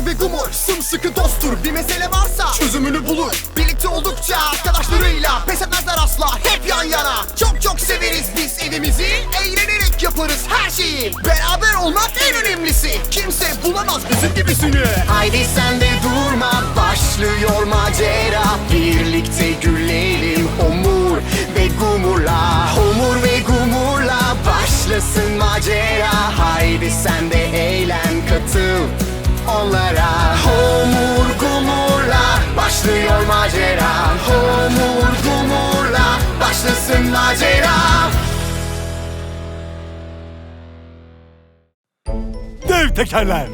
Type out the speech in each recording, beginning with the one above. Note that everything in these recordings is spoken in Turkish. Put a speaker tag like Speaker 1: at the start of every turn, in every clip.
Speaker 1: Homur ve Gumur sımsıkı dosttur. Bir mesele varsa çözümünü bulur. Birlikte oldukça arkadaşlarıyla pes etmezler asla, hep yan yana. Çok çok severiz biz evimizi, eğlenerek yaparız her şeyi. Beraber olmak en önemlisi, kimse bulamaz bizim gibisini. Haydi sen de durma, başlıyor macera. Birlikte gülelim Homur ve Gumur'la. Homur ve Gumur'la başlasın macera. Haydi sen de eğlen, katıl onlara. Homur Gumur'la başlıyor macera. Homur Gumur'la başlasın macera.
Speaker 2: Dev tekerler.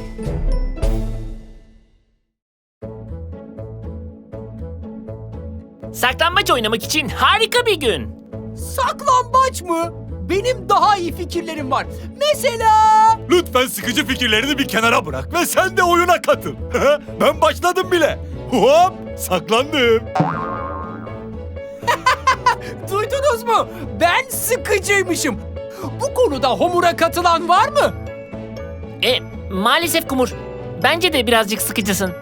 Speaker 3: Saklambaç oynamak için harika bir gün.
Speaker 4: Saklambaç mı? Benim daha iyi fikirlerim var. Mesela...
Speaker 2: Lütfen sıkıcı fikirlerini bir kenara bırak ve sen de oyuna katıl. Ben başladım bile. Hop, saklandım.
Speaker 4: Duydunuz mu? Ben sıkıcıymışım. Bu konuda Homur'a katılan var mı?
Speaker 3: Maalesef Kumur. Bence de birazcık sıkıcısın.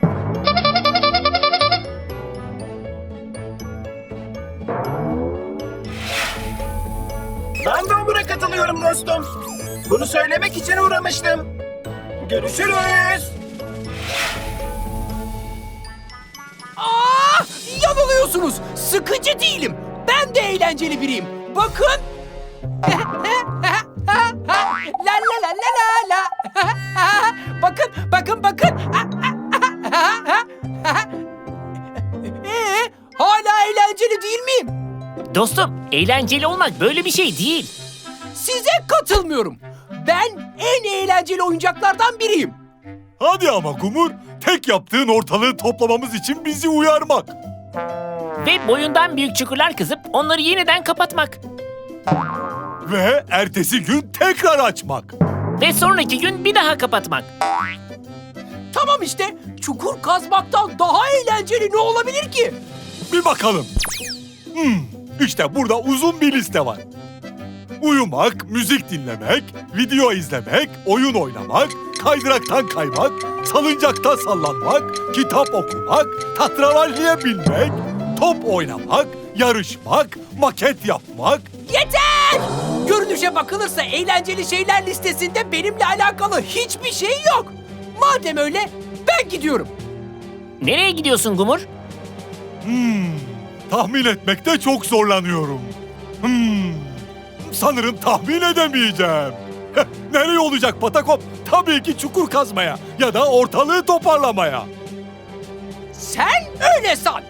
Speaker 5: Ben de Homur'a katılıyorum dostum. Bunu söylemek için uğramıştım. Görüşürüz.
Speaker 4: Aa, yanılıyorsunuz. Sıkıcı değilim. Ben de eğlenceli biriyim. Bakın. La la la la la la. Bakın, bakın, bakın. Hala eğlenceli değil miyim?
Speaker 3: Dostum, eğlenceli olmak böyle bir şey değil.
Speaker 4: Size katılmıyorum. Ben en eğlenceli oyuncaklardan biriyim.
Speaker 2: Hadi ama Gumur, tek yaptığın ortalığı toplamamız için bizi uyarmak.
Speaker 3: Ve boyundan büyük çukurlar kazıp onları yeniden kapatmak.
Speaker 2: Ve ertesi gün tekrar açmak.
Speaker 3: Ve sonraki gün bir daha kapatmak.
Speaker 4: Tamam işte. Çukur kazmaktan daha eğlenceli ne olabilir ki?
Speaker 2: Bir bakalım. İşte burada uzun bir liste var. Uyumak, müzik dinlemek, video izlemek, oyun oynamak, kaydıraktan kaymak, salıncakta sallanmak, kitap okumak, tatravalliye binmek, top oynamak, yarışmak, maket yapmak.
Speaker 4: Yeter! Görünüşe bakılırsa eğlenceli şeyler listesinde benimle alakalı hiçbir şey yok. Madem öyle ben gidiyorum.
Speaker 3: Nereye gidiyorsun Gumur?
Speaker 2: Tahmin etmekte çok zorlanıyorum. Sanırım tahmin edemeyeceğim. Nereye olacak Patakop? Tabii ki çukur kazmaya ya da ortalığı toparlamaya.
Speaker 4: Sen öyle san.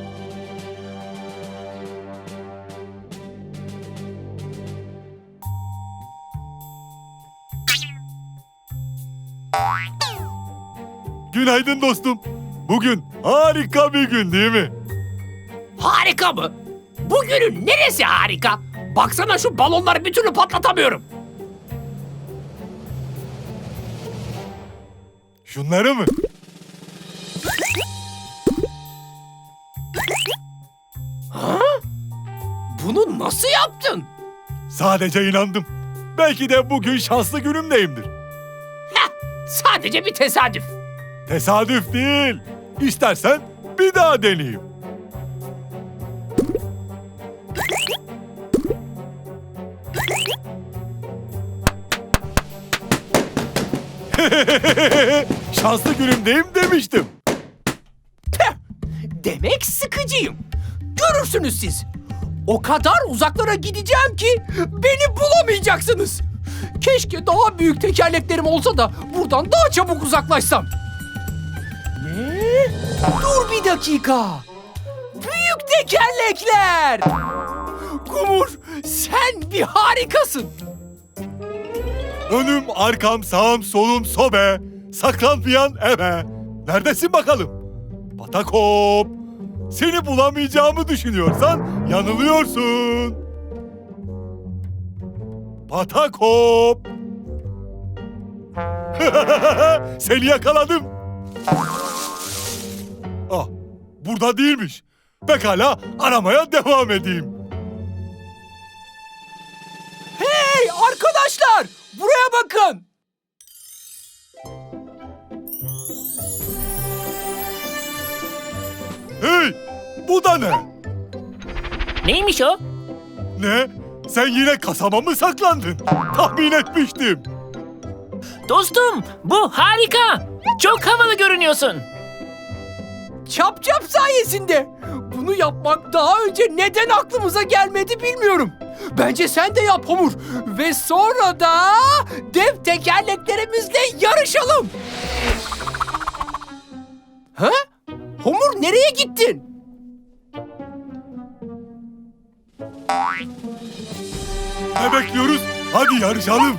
Speaker 2: Günaydın dostum. Bugün harika bir gün değil mi?
Speaker 4: Harika mı? Bugünün neresi harika? Baksana şu balonları bir türlü patlatamıyorum.
Speaker 2: Şunları mı?
Speaker 4: Bunu nasıl yaptın?
Speaker 2: Sadece inandım. Belki de bugün şanslı günümdeyimdir.
Speaker 4: Heh, sadece bir tesadüf.
Speaker 2: Tesadüf değil. İstersen bir daha deneyeyim. Şanslı günümdeyim demiştim.
Speaker 4: Tüh! Demek sıkıcıyım. Görürsünüz siz. O kadar uzaklara gideceğim ki beni bulamayacaksınız. Keşke daha büyük tekerleklerim olsa da buradan daha çabuk uzaklaşsam. Ne? Dur bir dakika. Büyük tekerlekler. Gumur, sen bir harikasın.
Speaker 2: Önüm, arkam, sağım, solum, sobe. Saklanmayan ebe. Neredesin bakalım? Patakop. Seni bulamayacağımı düşünüyorsan yanılıyorsun. Patakop. Seni yakaladım. Ah, burada değilmiş. Pekala, aramaya devam edeyim.
Speaker 4: Hey arkadaşlar, buraya bakın.
Speaker 2: Hey! Bu da ne?
Speaker 3: Neymiş o?
Speaker 2: Ne? Sen yine kasaba mı saklandın? Tahmin etmiştim.
Speaker 3: Dostum, bu harika. Çok havalı görünüyorsun.
Speaker 4: Çap çap sayesinde. Bunu yapmak daha önce neden aklımıza gelmedi bilmiyorum. Bence sen de yap Homur. Ve sonra da dev tekerleklerimizle yarışalım. Ha? Homur nereye gittin?
Speaker 2: Ne bekliyoruz? Hadi yarışalım.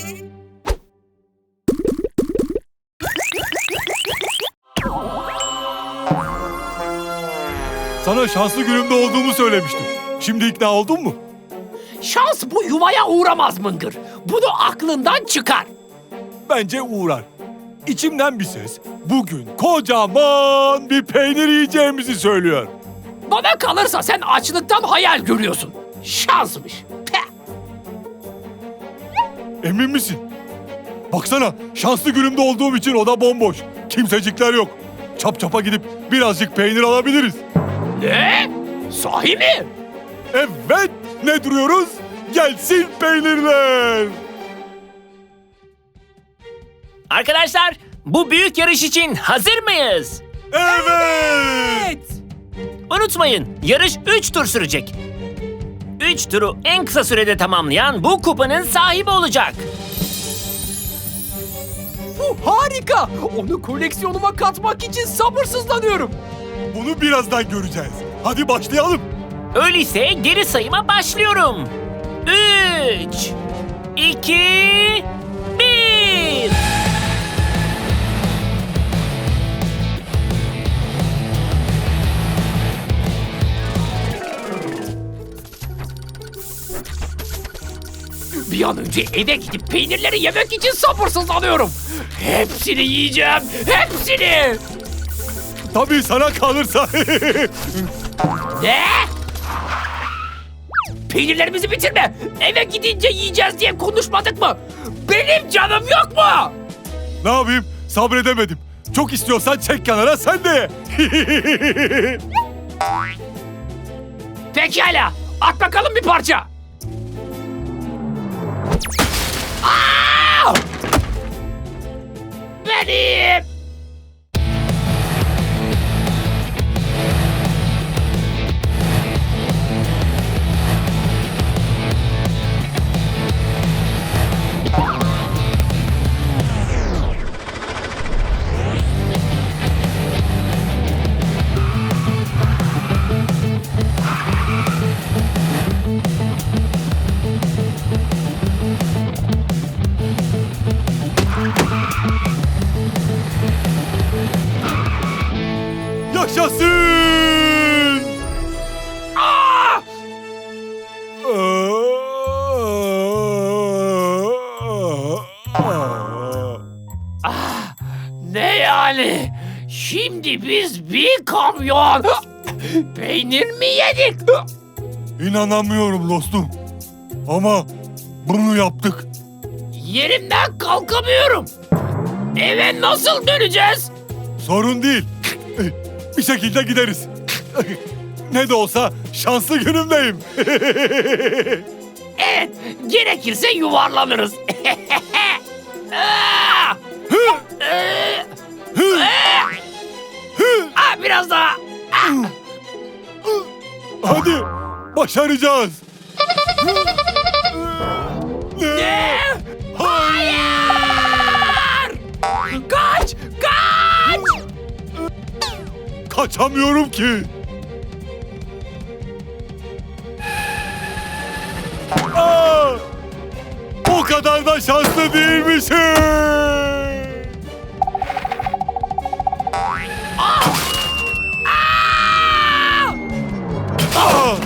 Speaker 2: Sana şanslı günümde olduğumu söylemiştim. Şimdi ikna oldun mu?
Speaker 4: Şans bu yuvaya uğramaz Mıngır. Bunu aklından çıkar.
Speaker 2: Bence uğrar. İçimden bir ses bugün kocaman bir peynir yiyeceğimizi söylüyor.
Speaker 4: Bana kalırsa sen açlıktan hayal görüyorsun. Şansmış. Peh.
Speaker 2: Emin misin? Baksana şanslı günümde olduğum için oda bomboş. Kimsecikler yok. Çap çapa gidip birazcık peynir alabiliriz.
Speaker 4: Ne? Sahi mi?
Speaker 2: Evet, ne duruyoruz? Gelsin peynirler.
Speaker 3: Arkadaşlar, bu büyük yarış için hazır mıyız?
Speaker 2: Evet.
Speaker 3: Unutmayın, yarış 3 tur sürecek. 3 turu en kısa sürede tamamlayan bu kupanın sahibi olacak.
Speaker 4: Bu harika. Onu koleksiyonuma katmak için sabırsızlanıyorum.
Speaker 2: Bunu birazdan göreceğiz. Hadi başlayalım.
Speaker 3: Öyleyse geri sayıma başlıyorum. 3, 2, 1.
Speaker 4: Bir an önce eve gidip peynirleri yemek için sabırsızlanıyorum. Hepsini yiyeceğim. Hepsini.
Speaker 2: Tabii sana kalırsa.
Speaker 4: Ne? Peynirlerimizi bitirme. Eve gidince yiyeceğiz diye konuşmadık mı? Benim canım yok mu?
Speaker 2: Ne yapayım? Sabredemedim. Çok istiyorsan çek kenara sen de ye.
Speaker 4: Pekala. At bakalım bir parça. Aa! Benim.
Speaker 2: Yaşasın!
Speaker 4: Aa! Ne yani? Şimdi biz bir kamyon peynir mi yedik?
Speaker 2: İnanamıyorum dostum. Ama bunu yaptık.
Speaker 4: Yerimden kalkamıyorum. Eve nasıl döneceğiz?
Speaker 2: Sorun değil. Bir şekilde gideriz. Ne de olsa şanslı günümdeyim.
Speaker 4: Evet, gerekirse yuvarlanırız. Aa! Biraz daha.
Speaker 2: Hadi başaracağız.
Speaker 4: Ne? Hayır! Kaç! Kaç!
Speaker 2: Kaçamıyorum ki. Aa! O kadar da şanslı değilmişim.
Speaker 4: Aa!
Speaker 2: Aa!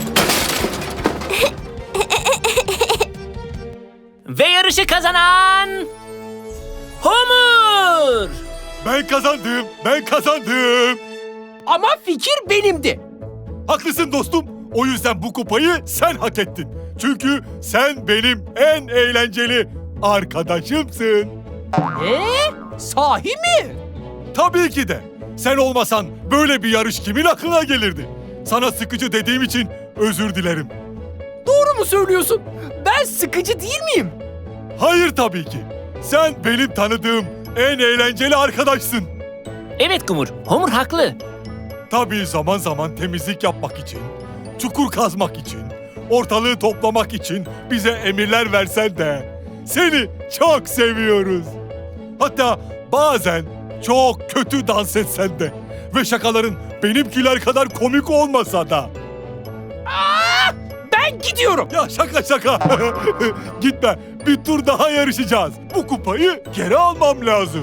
Speaker 3: Ve yarışı kazanan... Homur!
Speaker 2: Ben kazandım. Ben kazandım.
Speaker 4: Ama fikir benimdi.
Speaker 2: Haklısın dostum. O yüzden bu kupayı sen hak ettin. Çünkü sen benim en eğlenceli arkadaşımsın.
Speaker 4: Sahi mi?
Speaker 2: Tabii ki de. Sen olmasan böyle bir yarış kimin aklına gelirdi? Sana sıkıcı dediğim için özür dilerim.
Speaker 4: Doğru mu söylüyorsun? Ben sıkıcı değil miyim?
Speaker 2: Hayır tabii ki. Sen benim tanıdığım en eğlenceli arkadaşsın.
Speaker 3: Evet Kumur, Homer haklı.
Speaker 2: Tabii zaman zaman temizlik yapmak için, çukur kazmak için, ortalığı toplamak için bize emirler versen de seni çok seviyoruz. Hatta bazen çok kötü dans etsen de ve şakaların benimkiler kadar komik olmasa da.
Speaker 4: Ben gidiyorum.
Speaker 2: Ya şaka. Gitme, bir tur daha yarışacağız. Bu kupayı geri almam lazım.